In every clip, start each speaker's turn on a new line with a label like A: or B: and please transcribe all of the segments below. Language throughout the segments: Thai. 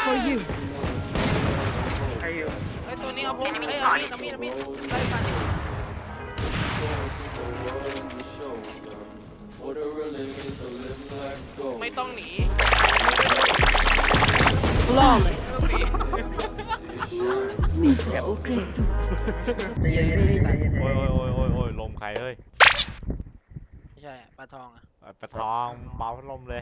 A: for you.
B: ใครอยู่
C: ไอ้ตัวนี้เอาผมไอ้เอามีดไล่ฟันดิ ไม่ต้องหนี
A: Flawless.
C: ไม่ต้องหนี
A: Miserable creature.
B: ใจเย็นๆพี่ใจเย็น
D: โอ้ยลมใครเอ้ย
C: ไม่ใช่ปลาทองอะ
D: ปะทองเป่าพัดลมเลย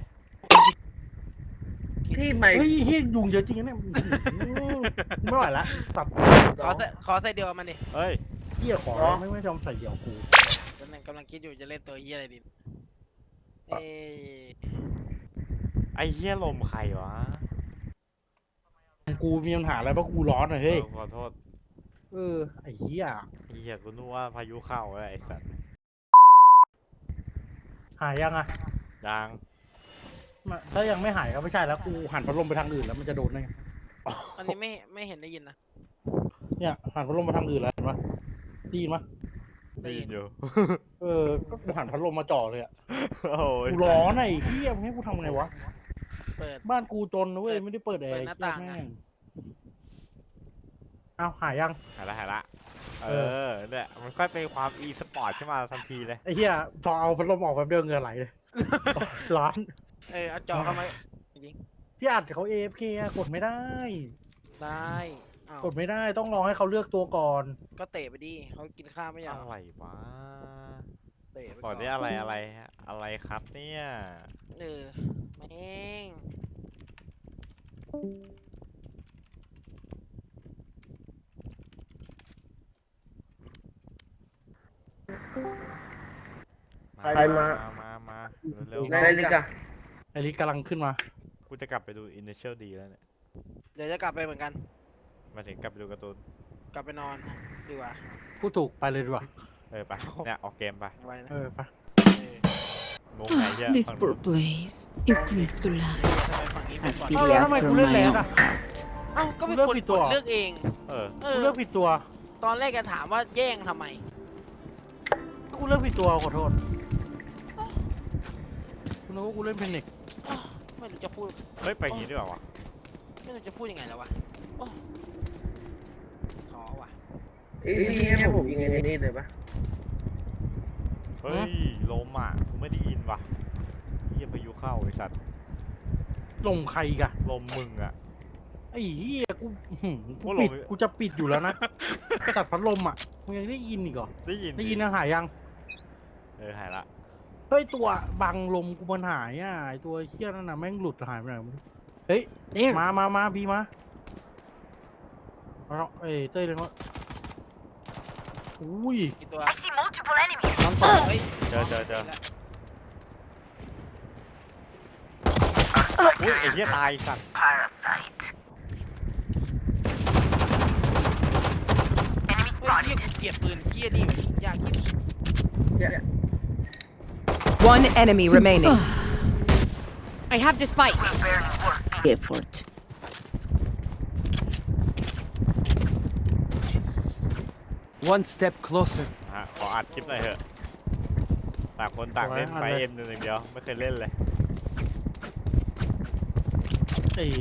B: ๆที่ไม่
E: เฮ้ยเฮียยุงเยอะจริงนะเนี่ยไม่ไหวละสัตว์
C: ขอใส่เดียวกับมันดิ
D: เฮ้ย
E: เฮียขอไม่ยอมใส่เดี่ยวกู
C: กำลังคิดอยู่จะเล่นตัวเฮียอะไรดีเอ้ย
D: ไอ้เหี้ยลมใครวะ
E: กูมีปัญหาอะไรเพราะกูร้อนอะเฮ้ย
D: ขอโทษ
E: ไอ้เฮีย
D: ไอ้เหี้ยกูนึกว่าพายุเข้าเลยไอ้สัตว์
E: หายยังอะ
D: ยัง
E: ถ้ายังไม่หายก็ไม่ใช่แล้วกูหันพัดลมไปทางอื่นแล้วมันจะโดนได้ไง
C: อันนี้ไม่เห็นได้ยินนะ
E: เนี่ยหันพัดลมไปทางอื่นแล้วเห็นปะได้ยินปะ
D: ได้ยินอยู่
E: ก็กูหันพัดลมมาจ่อเลยอะ
D: โอ้ย
E: กูร้อนไอ้เฮียมึงให้กูทำไงวะ
C: เปิด
E: บ้านกูจนนะเว้ยไม่ได้เปิดแอร์
C: เปิดหน้าต่างอะ
E: แม่งเอาหายยัง
D: หายละเนี่ยมันค่อยเป็นความอีสปอร์ตขึ้นมาทันทีเลย
E: ไอ้เหี้ยพอเอาพัดลมออกแป๊บเดียวเหงื่อไหลเลย ร้อน
C: เอาจอเข้ามาจริง
E: พี่อัดเขา AFK อะกดไม่ได้
C: ได้อ้าว
E: กดไม่ได้ต้องรอให้เขาเลือกตัวก่อน
C: ก็เตะไปดิเขากินข้าวไม่อยาก
D: อะไรวะ
C: เตะไป
D: ก่อนนี้อะไรครับเนี่ย
C: แม่ง
D: มาเร็ว
B: อะไรลิกอะ
E: ไอริกกำลังขึ้นมา
D: กูจะกลับไปดู Initial D แล้วเนี่ย
C: เดี๋ยวจะกลับไปเหมือนกัน
D: มาถึงกลับไปดูการ์ตูน
C: กลับไปนอนดีกว่า
E: พูดถูกไปเลยดีกว่า
D: ไปเนี่ยออกเกมไป
C: ไว้นะ
E: ไป
D: งงไงเหี้ย
A: This
D: ฝั่ง
A: poor place. It clings to life.
C: ทำไมฝั่งนี้
A: I
C: เป็นก่อน
A: feel
E: Oh,
A: after
E: yeah,
A: my
E: yeah.
A: own heart.
C: เอ้าก็เป็น
E: เลือก
C: คน
E: ผิด
C: ก
E: ตัว
C: ดเลือกเอง
D: เออ
E: กูเลือกผิดตัว
C: ตอนแรกจะถามว่าแย่งทำไม
E: กูเลือกผิดตัวขอโทษกูนึกว่ากูเล่นเพนิก
C: ไม่รู้จะพูด
D: เฮ้ยไปอย่างงี้ดีกว่าวะ
C: ไม่รู้จะพูดยังไงแล้ววะโอ้ขอว่ะ
B: พี่ให้ผมยิงไอ้นี่เลยปะ
D: เฮ้ยลมอ่ะกูไม่ได้ยินว่ะเหี้ยพายุเข้าไอ้สัตว์
E: ลงใครอีกอะ
D: ลมมึงอ่ะ
E: ไอ้เหี้ยกู
D: กูล
E: ปิ
D: ง
E: ดกูจะปิดอยู่แล้วนะตัดพัดลมอะมึงยังได้ยินอีกเหรอ
D: ได้ยิน
E: ได้ยินยังหายยัง
D: หายละ
E: เฮ้ยตัวบังลมกูมันหายอ่ะไอตัวเหี้ยนั่นน่ะแม่งหลุดหายไปไหนไม่รู้เฮ้ย
A: There.
E: มาบีมาเอาเอ้ยเต้ยเลยว่าอุ้ย
C: กี่ตัว
E: น้ำสอง
C: เฮ้ย
D: เจออุ้ยไอ้เหี้ยตายสัตว์
C: เฮ้ยเฮียกูเกลียดปืนเฮียนี่ยากคิด
F: One enemy remaining.
A: I have the spike. Effort.
G: One step closer.
D: ขออัดคลิปหน่อยเถอะต่างคนต่างเล่นไฟเอ็มหนึ่งเดียวไม่เคยเล่นเลย
E: ไอ้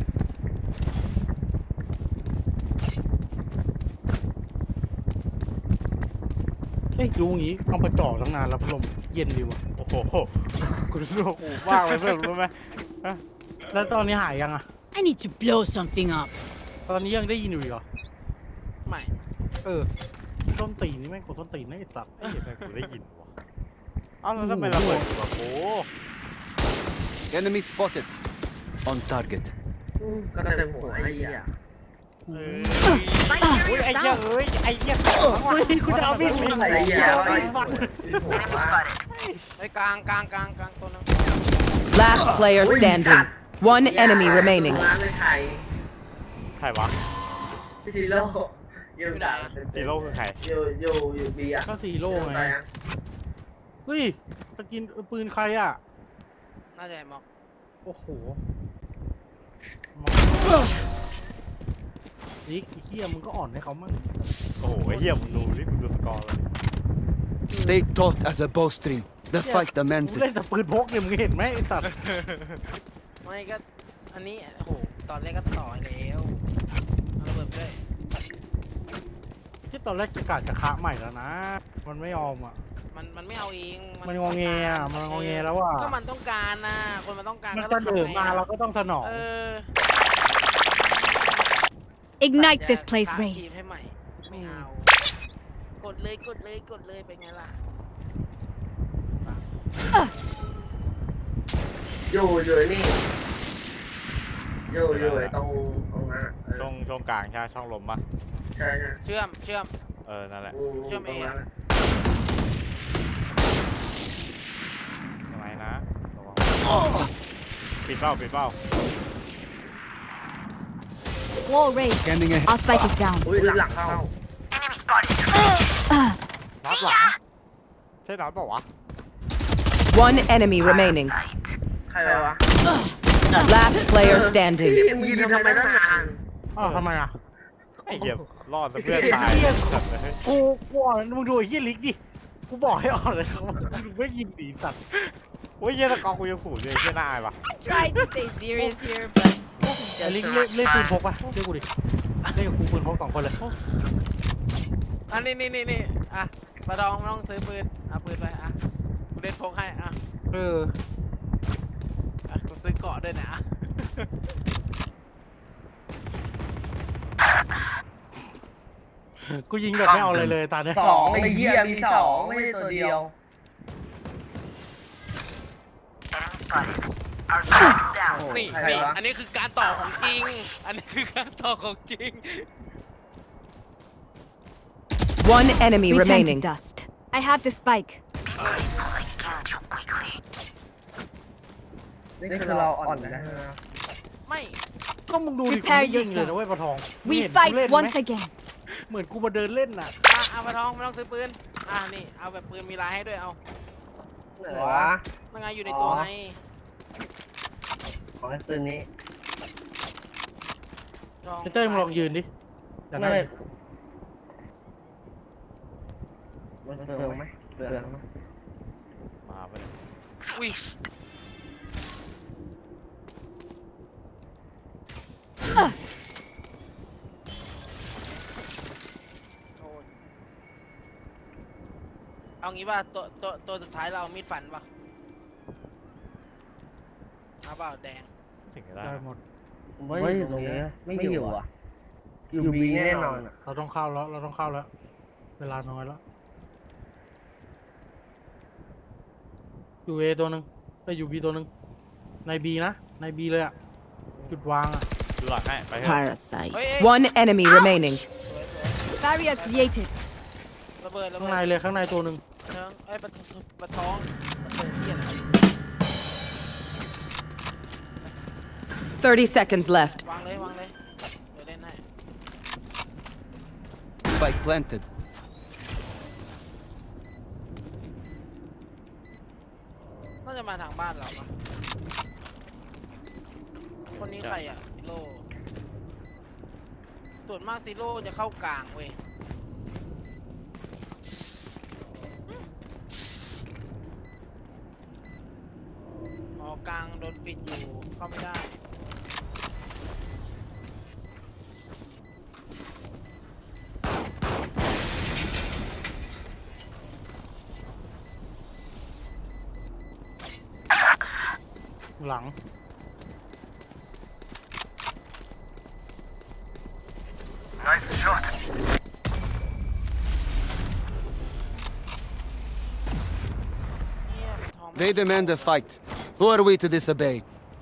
E: เฮ้ยดูงี้เอาไปจ่อตั้งนานแล้วพัดลมเย็นดีวะ
D: โอ้โหกูรู้สึกว่ากูมากเลยเพื่อนรู้ไหม
E: แล้วตอนนี้หายยังอ่ะ
A: I need to blow something up.
E: ตอนนี้ยังได้ยินอยู่อีกเหรอ
C: ไม่
E: ส้นตีนนี่แม่งกดส้นตีนนะไอ้สัตว์
D: เอ้ยทำไมกูได้ยินวะเอ้าแล้วทำไมระเบิดอยู่กับกู
G: Enemy spotted. On target.
B: ก็เต็มหัวไอ้เหี้ย
D: อุ้ยไอ้เหี้ยเอ้ยไอ้เหี้ย
E: กูจะเอาพี่สิ
B: ไอ้เหี้ย
E: ฟัน
B: หัว
C: ไอ้กลางตัวนึง
F: Last player standing. One enemy remaining.
B: ร้านเลยไทย
D: ใครวะ
B: ซีโร่อยู่ไหน
D: ซีโร่คือใคร
B: อยู่บีอะ
E: ก็สีโล่ไงเฮ้ยสกินปืนใครอ่ะ
C: น่าจะไอ้ม็อก
E: โอ้โหนิกไอ้เหี้ยมึงก็อ่อนให้เขามั่ง
D: โอ้โหไอ้เหี้ยมึงดูนี่มึงดูสกอร์เลย
G: Stay taut as a bowstring. The fight
E: มึง
G: demands
E: เล่น
G: it.
E: แต่ปืนพกเนี่ยมึงเห็นไหมไอ้สัตว์
C: ไม่ก็อันนี้โอ้โหตอนแรกก็ต่อแล้วเอาระเบิดไปเลย
E: ที่ตอนแรกจะกะจะคะใหม่แล้วนะ มันไม่ยอมอ่ะ
C: มันไม่เอาเอง
E: มันงอแงอ่ะมันงอแงแล้วอ่ะ
C: ก็มันต้องการนะคนมันต้องการ
E: มัน
C: ก็
E: เส
C: ต้อง
E: นอ
C: ทำไง
E: มา
C: อะ
E: เราก็ต้องสนอง
C: เออ
A: Ignite
C: จะ
A: this place,
C: สร้างทีม
A: Race.
C: ให้ใหม่ไม่เอากดเลยกดเลยกดเลยเป็นไงล่ะ
B: อยู่นี่อยู่ไอ้ตรงนั้นอะเออ
D: ช่องกลางใช่ไหมช่องลมปะ
B: ใช่
C: เชื่อม
D: นั่นแหละ
C: เชื่อม
B: ตรงนั้น
C: เอ
B: อะ
D: ทำไมนะระวังปิดเป้า
A: Wall raised.
G: Scanning ahead.
A: Our spike is down.
B: อุ้ยหลังเข้า
D: น็อตหลังใช่น็อตเปล่าวะ
F: One enemy remaining.
B: ใครวะ
F: Last player standing.
B: มึงยืนทำไมตั้งนาน
E: อ้าวทำไมอ่ะ
D: ไอ้เหี้ยรอดซะเพื่อนตาย
E: กูอ่อนมึงดูไอ้เหี้ยลิกดิ กูบอกให้อ่อนเลยครับมึงไม่ยิงดีสัตว์
D: โอ้ยเหี้ยตะกอกูยังสูดเลยเหี้ยน่าอายปะ
A: Tried to stay serious here, but
E: ไอ้ลิกเล่นปืนพกปะเล่นกูดิ เล่นกับกูปืนพก2 คนเลย
C: อันนี้อ่ะปลาทองไม่ต้องซื้อปืนเอาปืนไปอ่ะกูเล่นพกให้อ่ะ
E: เออ
C: อ่ะกูซื้อเกาะด้วยนะอ่ะ
E: กูยิงแบบไม่เอาอะไรเลยตาเนี้ย
B: สองไอ้เหี้ยมีสองไม่ใช่ตัวเดียว
C: นี่
B: ใครวะ
C: อันนี้คือการต่อของจริง อันนี้คือการต่อของจริง
F: One enemy
A: return to
F: remaining.
A: dust. I have the spike.
B: นี่คือเราอ่อนนะ
C: ไม่
E: ก็มึงดูดิกู
A: Prepare
E: ไม่ยิงเลยนะ
A: yourselves.
E: เว้ยปะทอง
A: We
E: มึงเห็นกู
A: fight
E: เล่นไหม
A: once again.
E: เหมือนกูมาเดินเล่นน่ะ
C: อ่ะเอาปลาทองไม่ต้องซื้อปืนอ่ะนี่เอาแบบปืนมีลายให้ด้วยเอา
B: ไหนวะ
C: นั่งไงอยู่ในตัวไง
B: ของไอ้ปืนนี้
C: ทอง
E: ไอ้เต้ยมึงลองยืนดิแต่นั่น
B: มันเปลืองไหมเปลืองไหม
D: มาไปเลย
C: อุ้ยโอ้ยเอางี้ป่ะตัวสุดท้ายเราเอามีดฟันป่ะเอาเปล่าแดง
D: ถึงจะได้
E: ได้หมด
B: ไม่อยู่ตรงนี้ไม่อยู่อ่ะอยู่บีแน่นอนอ่ะ
E: เราต้องเข้าแล้ว เราต้องเข้าแล้ว เวลาน้อยแล้ว อยู่เอตัวหนึ่งไปอยู่บีตัวหนึ่งในบีนะ ในบีเลยอ่ะ จุดวางอ่ะ
D: ดูหลังให้ไปเถอะ
A: Parasite.
C: เฮ้ย
F: One enemy remaining.
A: Barrier created.
C: ระเบิดระ
E: ข้าง
C: เบิ
E: ใน
C: ด
E: เลยข้างในตัวหนึ่ง
C: เชิงเอ้ยปะท้องเปิดเทียน
F: 30 seconds left.
C: วางเลยวางเลยเดี๋ยวเล่นให้
G: Spike planted.
C: น่าจะมาทางบ้านเราปะคนนี้ใครอ่ะซิโร่ส่วนมากซิโร่จะเข้ากลางเว้ยอ๋อกลางโดนปิดอยู่เข้าไม่ได้
E: หลัง
C: เนี่ยปะท้อง
G: They demand a fight. Who are we to disobey?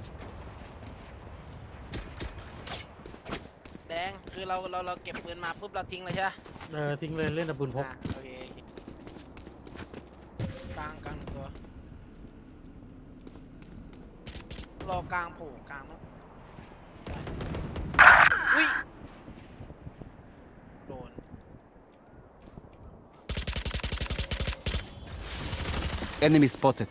C: แดงคือเราเก็บปืนมาปุ๊บเราทิ้งเลยใช่ไหม
E: ทิ้งเลยเล่นแต่ปืนพก
C: โอเคกลางตัวรอกลางโผล่กลางมั้งอุ้ยโดน
G: Enemy spotted.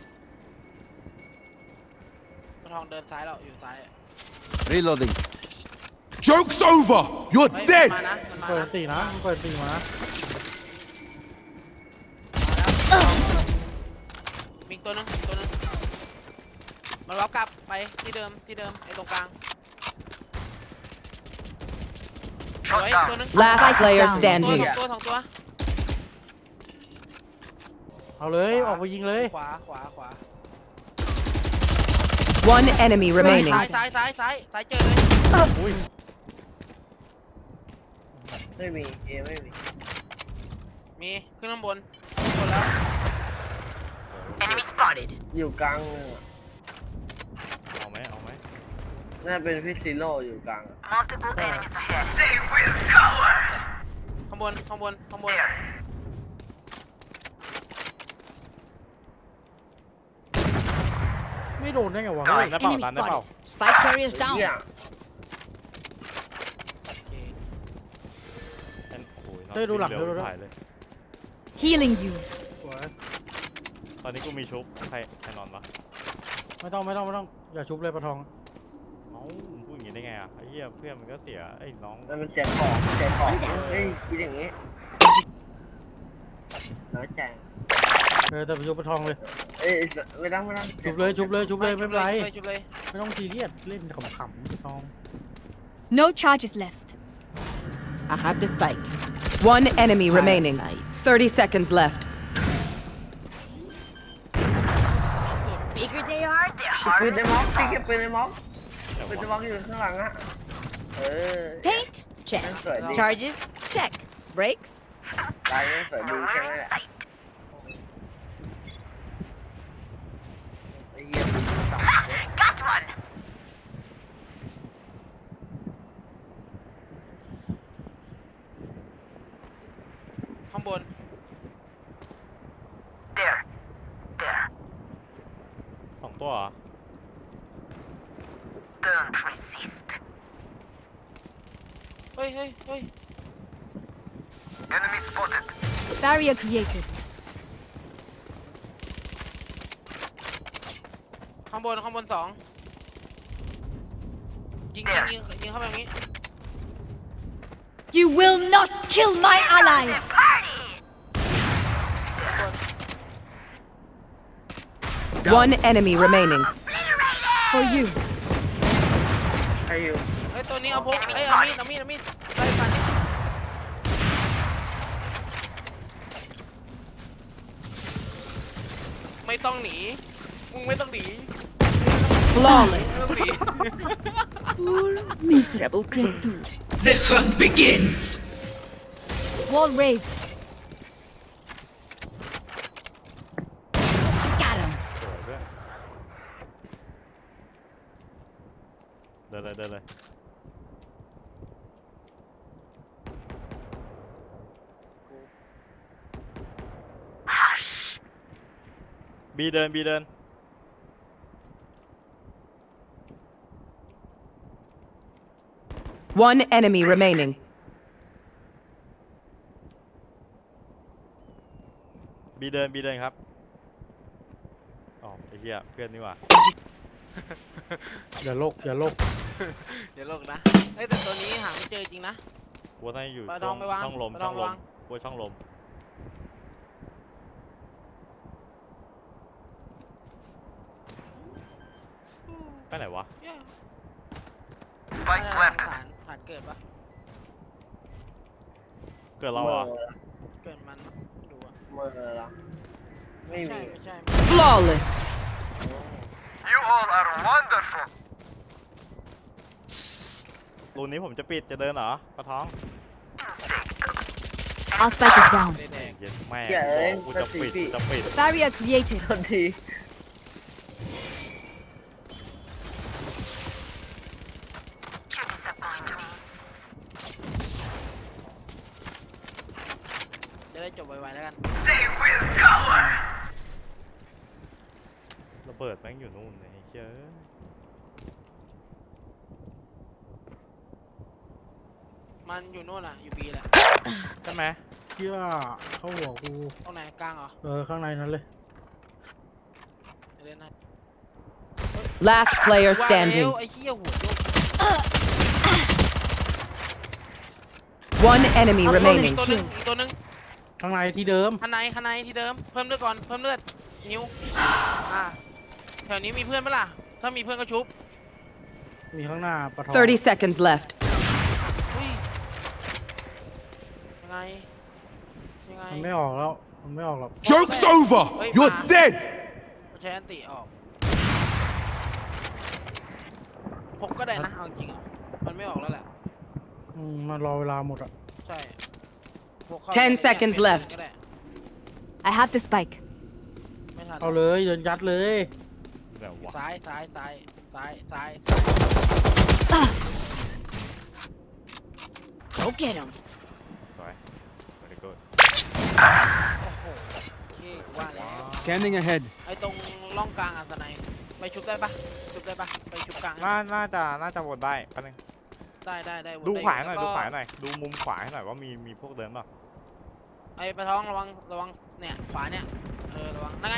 C: ปะทองเดินซ้ายเราอยู่ซ้าย
G: Reloading. Joke's over! You're
C: เฮ้ย
G: dead!
C: มันมานะมันมา
E: เปิด
C: นะ
E: ตีนะเปิดตีมานะ
C: มีอีกตัวนึงมันล็อกกลับไปที่เดิมไอ้ตรงกลางสวยตัวนึง
F: Last player
C: ตัว
F: standing.
C: สองตัว
E: เอาเลยออกไปยิงเลย
C: ขวา
F: One enemy remaining.
C: ซ้ายเจอเลย
B: ไม่มีเอไม่มี
C: มีขึ้นข้างบนแล้ว
B: อยู่กลางเลยอะ
D: เอาไหมเอาไหม
B: น่าเป็นพี่ซิโร่อยู่กลางอะ
C: ข้างบน
E: ไม่โดนได้ไงวะ
D: ตั
E: เฮ้
D: น
E: ย
D: ได้เปล่าตันได้เปล่า
A: Spike carriers
B: เหี้ย
A: down.
D: โอ้ย
E: เฮ้ยดูหลัง
D: เร็ว
E: ดูหลัง
D: ถ่ายเลย
A: Healing you.
E: สวย
D: ตอนนี้กูมีชุบใครนอนวะ
E: ไม่ต้องอย่าชุบเลยปะทอง
D: เอ้ามึงพูดอย่างงี้ได้ไงอ่ะไอ้เหี้ยเพื่อนมันก็เสียไอ้น้อง
B: มันเป็นเสียของเฮ้ยคิดอย่างงี้น้อยใจ
E: แต่ไปชุบปะทองเลย
B: เอ้ยไม่ต้อง
E: ชุบเลยไม่เป็นไร
C: จุบเลย
E: ไม่ต้องซีเรียสเล่นขำๆปะทอง
A: No charges left.
F: I have the spike. One enemy remaining. 30 seconds left.
A: Bigger they are, the
B: ปืนในม็อกพี่เก็บปืนในม็อกปืนในม็อกอยู่ข้างหลังอะ
A: Paint? Check.
B: นั่นสวยดี
A: Charges? Check. Brakes?
B: ตายนั่นสวยดีแค่นั้นแหละไอ้เหี้ยต่ำ
C: ข้างบน
D: สองตัวเหรอ
C: เฮ้ย
A: Barrier created.
C: ข้างบนสองยิงเข้าไปอย่างนี้
A: You will not kill my allies.
C: ข้างบน
F: One enemy remaining.
A: For you.
B: ใครอยู่
C: เฮ้ยตัวนี้เอาพกเอามีดไล่ฟันนี่ไม่ต้องหนีมึงไม่ต้องหนี
F: Flawless.
C: ไม่ต้องหนี
A: Poor miserable creature.
G: The hunt begins.
A: Wall raised. Got him.
D: สวยด้วยเดินเลย บีเดิน
F: One enemy remaining.
D: บีเดินครับอ๋อไอ้เหี้ยเพื่อนนี่หว่า
E: อย่าโลก
C: อย่าโลกนะเฮ้ยแต่ตัวนี้หาไม่เจอจริงนะ
D: กูว่าน่าจะอยู่
C: ปลาทองไปวาง
D: ช่องลม
C: ปลาทองไปวาง
D: กูว่าช่องลมไปไหนวะ
C: Spike planted ฐานเกิดปะ
D: เกิดเราเหรอ
C: เกิดมันดูอะ
B: เมื่อแล้วไม่มี
C: ไม่ใช่
F: Flawless.
G: You all are wonderful.
D: รูนี้ผมจะปิดจะเดินเหรอปะท้อง
A: Our spike is down.
C: แดง
D: เย็นแม่
B: เหี้ยเอ้ย
D: กูจะปิดกูจะปิด
A: Barrier created.
B: ทันที
C: จะได้จบไวๆแล้วกัน
D: ระเบิดแม่งอยู่นู่นไอ้เหี้ย
C: มันอยู่นู่นอ่ะอยู่บีแหละ
D: ใช่ไหม
E: เชื่อเข้าหัวกู
C: ตรงไหนกลางเหรอ
E: ข้างในนั้นเลย
C: เล่นนะ
F: Last player
C: ว่า
F: standing.
C: แล้วไอ้เหี้ยหัวโยก
F: One enemy
C: เอา
F: remaining.
C: ตัวหนึงอีกตัวหนึง
E: ข้างในที่เดิม
C: ข้างในที่เดิมเพิ่มเลือดก่อนเพิ่มเลือดนิ้วแถวนี้มีเพื่อนปะล่ะถ้ามีเพื่อนก็ชุบ
E: มีข้างหน้าปะทอง
F: 30 seconds left.
C: อุ้ยไงยังไง
E: มันไม่ออกแล้วมันไม่ออกหรอก
G: Joke's over! You're dead!
C: มันใช้อันติออกผมก็ได้นะเอาจริงๆอะมันไม่ออกแล้วแหละ
E: มันรอเวลาหมดอ่ะ
C: ใช่พวกเข้า
F: 10
C: ไป
F: seconds
C: เนี่ย
F: left
C: ก็ได้
A: I have the spike.
C: ไม่ทัน
E: เอาเลยเดินยัดเลย
D: เดี๋ยววะ
C: ซ้ายซ้ายซ้ายซ้ายซ้าย
A: Go get him.
D: สวย very good
C: โอ้โหโอเคกูว่าแล้ว
G: Scanning ahead.
C: ไอ้ตรงร่องกลางอันสไนไปชุบได้ปะชุบได้ปะไปชุบกลางให้
D: น่าจะวนได้แป๊บนึง
C: ได้วน
D: ดู
C: ไ
D: ขวาหน่อย
C: แล้ว
D: ดู
C: ก็
D: ขวาหน่อยดูมุมขวาให้หน่อยว่ามีพวกเดินเปล่า
C: ไอ้ปะท้องระวังเนี่ยขวาเนี่ยระวังนั่นไง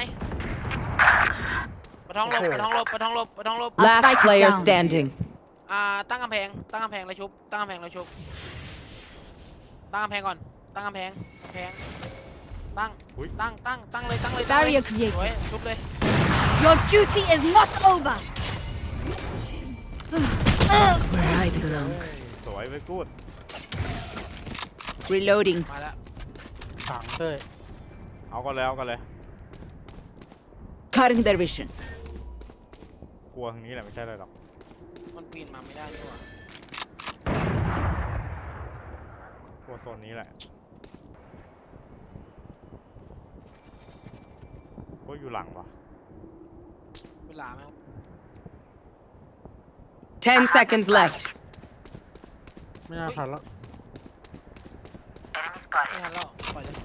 C: ปะท้องหลบปะท้องหลบปะท้องหลบปะท้องหลบ
F: Last
A: Spike is
F: player
A: down.
F: standing.
C: ตั้งกำแพงแล้วชุบตั้งกำแพงแล้วชุบตั้งกำแพงก่อนตั้งกำแพงตั้งเลย
A: Barrier created.
C: สวยชุบเลย
A: Your duty is not over. Where I belong.
D: สวย very good
A: Reloading.
C: มาแล้ว
E: ถังเต้ย
D: เอากันเลย
A: Cutting their vision.
D: กลัวทางนี้แหละไม่ใช่เลยหรอก
C: มันปีนมาไม่ได้ด้วยว่ะ
D: กลัวโซนนี้แหละก็อยู่หลังวะ
C: เวลาแม่ง
F: 10 seconds left.
E: ไม่น่าทันแล้ว
C: ไม่ทันแล้วปล่อยเลย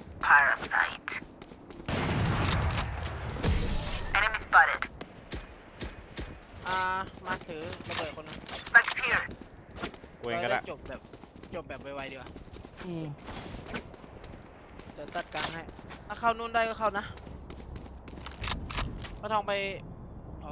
C: มาถือระเบิดคนนึง
D: กูเองก็ได้
C: จบแบบไวๆดีกว่า
E: อืม
C: เดี๋ยวตัดกลางให้ถ้าเข้านู่นได้ก็เข้านะพระทองไปอ๋อ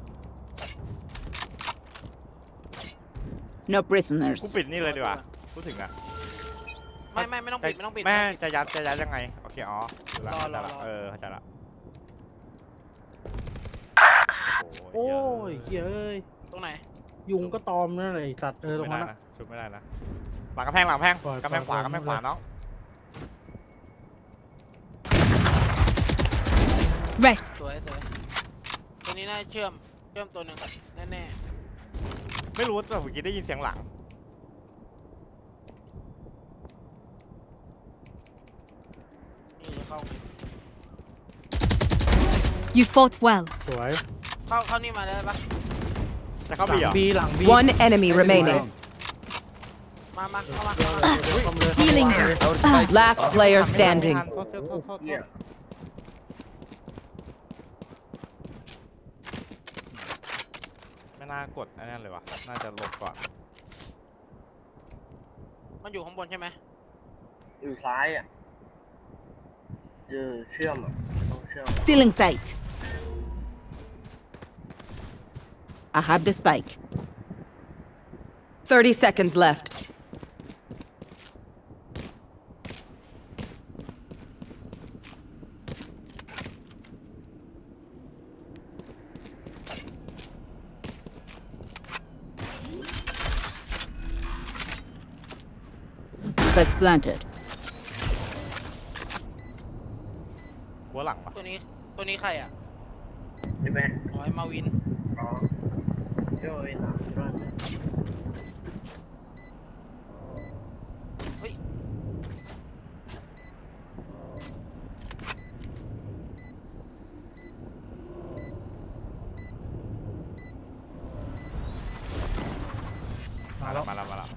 A: No prisoners.
D: กูปิดนี่เลยดีกว่าพูดถึงอะ
C: ไม่ต้องปิดไม่ต้องปิด
D: แม่
C: ไม่ต้องปิด
D: จะยัดยังไงโอเคอ๋อดูละ
C: รอ
D: เข้าใจละ
C: รอ
D: เข้าใจละ
E: โอ้ยเฮ้ยเอ้ย
C: ตรงไหน
E: ยุงก็ตอมนั่นแหละไอ้สัตว์ตรง
D: ไม่
E: นั้
D: ได้
E: นนะ
D: นะชุบไม่ได้นะหลังกำแพง
E: ปล่อย
D: กำแพงขวา
E: ปล่อย
D: กำแพงขวาน้อง
A: Rest.
C: สวยตัวนี้น่าเชื่อมตัวหนึ่งแน่
D: ไม่รู้แต่เมื่อกี้ได้ยินเสียงหลัง
C: ๆนี่จะเข้าไหม
A: You fought well.
E: สวย
C: เข้านี่มาได้ปะ
D: จะเข้า
E: หลั
D: บีเหรอ
E: บีหลังบี
F: One enemy remaining.
C: มาเข้ามา
A: Healing.
G: Our spike.
F: Last player standing.
D: โทษไม่น่ากดอันนั้นเลยวะน่าจะหลบก่อน
C: มันอยู่ข้างบนใช่ไหม
B: อยู่ซ้ายอ่ะเชื่อมอ่ะต้องเชื่อม
A: Still in sight. I have the spike.
F: 30 seconds left.
A: Spike planted.
D: กลัวหลังปะ
C: ตัวนี้ใครอ่ะ
B: ใช่ไหม
C: อ๋อไอ้มาวิน
B: อ๋อโจ้ยนะ
C: เฮ้ย
D: มาแล้ว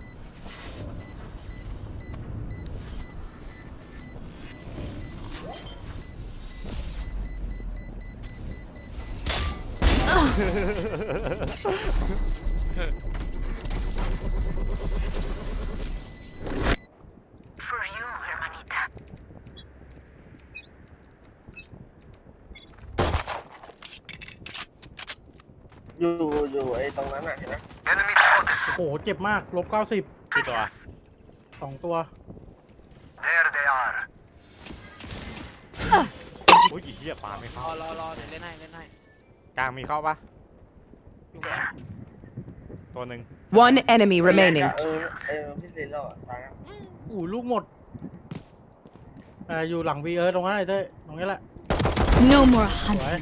B: อยู่ไอ้ตรงนั้นอ่ะเห็นไหม
E: โอ้โหเจ็บมากลบ90
D: กี่ตัว
E: 2 ตัว
D: โอ้ยเหี้ยปาไม่เข้าร
C: อเดี๋ยวเล่นให้
D: กลางมีเข้าปะ
C: อยู่กับ
D: ตัวหนึ่ง
F: One enemy remaining.
B: พี่ซินแล้วอ่ะตายแล้ว
E: อู้ลูกหมดอยู่หลังบีตรงนั้นไอ้เต้ยตรงนี้แหละ
A: No more
E: สวย
A: hunting.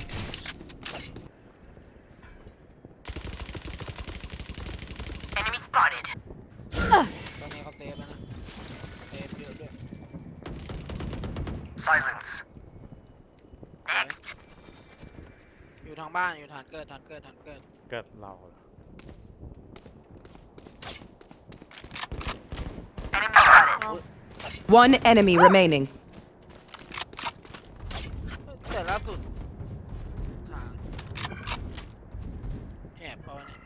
C: ตอนนี้เขาเซฟแล้วนะเซฟเยอะด้วย
H: Silence.
C: อยู่ทางบ้านอยู่ฐานเกิด
D: เกิดเราเหรอ
C: เอ้า
F: One enemy remaining.
C: แต่ล่าสุดทางแอบเขาเนี่ย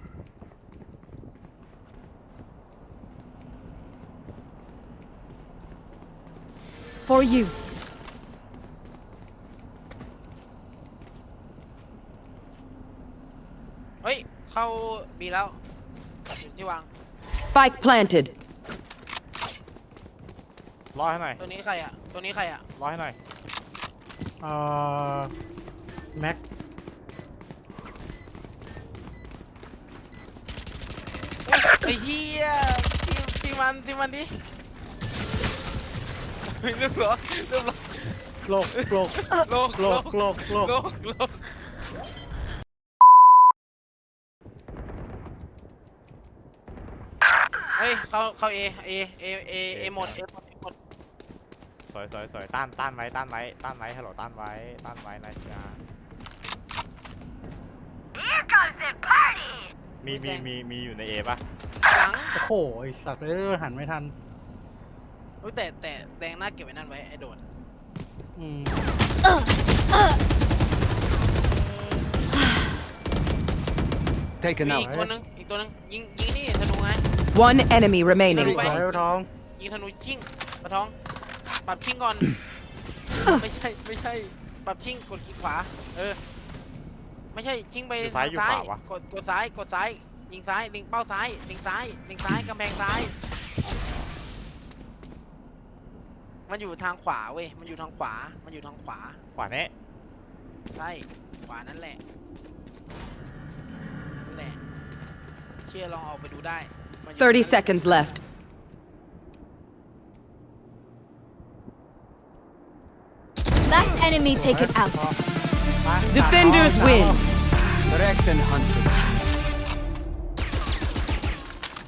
A: For you.
C: เฮ้ยเข้าบีแล้วอยู่ที่วาง
F: Spike planted.
D: รอให้หน่อย
C: ตัวนี้ใครอ่ะตัวนี้ใครอ่ะ
D: รอให้หน่อย
E: แม็ก
C: ไอ้เหี้ยทีมันดิเรียบร้อย
E: โลก
C: โลก เฮ้ยเข้าเอหมด
D: สวยต้านไว้ฮัลโหลต้านไว้นะจ๊ะ
H: Here comes the party.
D: มีอยู่ในเอป่ะ
C: หลัง
E: โอ้โหไอสัตว์หันไม่ทัน
C: เฮ้ยแต่แดงหน้าเก็บไว้นั่นไว้ไอ้โดน
E: อืม
G: Taken
C: มี
G: out.
C: อีกตัวนึงยิงนี่ธนูไง
F: One enemy remaining.
C: ไป
E: สวยท้อง
C: ยิงธนูชิ่งปะท้องปรับชิ่งก่อน ไม่ใช่ปรับชิ่งกดคลิกขวาไม่ใช่ชิ่งไป
D: อยู่ซ้ายอยู่ขวาวะ
C: กดซ้ายยิงซ้ายลิงเป้าซ้ายลิงซ้ายกำแพงซ้าย มันอยู่ทางขวาเว้ยมันอยู่ทางขวา
D: ขวาเนี้ย
C: ใช่ขวานั่นแหละเชื่อลองออกไปดูได้มันอยู่
F: 30 seconds left.
A: Last enemy taken out.
F: Defenders win.
G: Correct and hunted.